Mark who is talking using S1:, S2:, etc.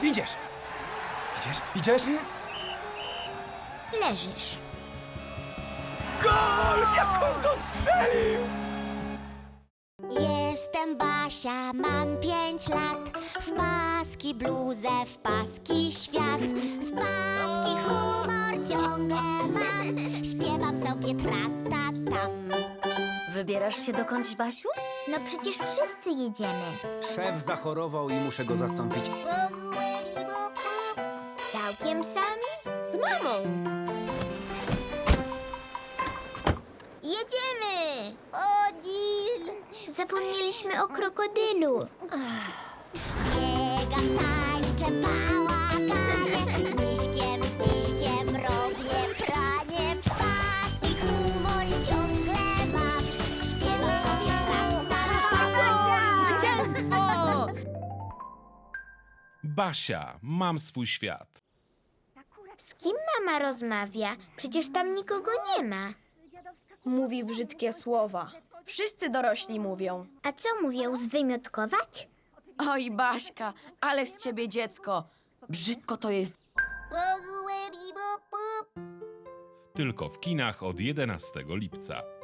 S1: Idziesz! Idziesz?
S2: Leżysz.
S1: Gol! Jak on to strzelił!
S2: Jestem Basia, mam 5 lat. W paski bluzę, w paski świat. W paski humor ciągle mam. Śpiewam sobie tra-ta-tam.
S3: Wybierasz się dokądś, Basiu?
S2: No przecież wszyscy jedziemy.
S1: Szef zachorował i muszę go zastąpić.
S2: Całkiem sami?
S3: Z mamą.
S2: Jedziemy! Odil! Zapomnieliśmy o krokodylu. Biegam, tańczę, bałaganie. Z Miśkiem, z Dziśkiem robię pranie. W paski humor ciągle mam. Śpiewam sobie
S3: Zwycięstwo!
S4: Basia, mam swój świat.
S2: Z kim mama rozmawia? Przecież tam nikogo nie ma.
S5: Mówi brzydkie słowa. Wszyscy dorośli mówią.
S2: A co mówią, zwymiotkować?
S5: Oj, Baśka, ale z ciebie dziecko. Brzydko to jest.
S4: Tylko w kinach od 11 lipca.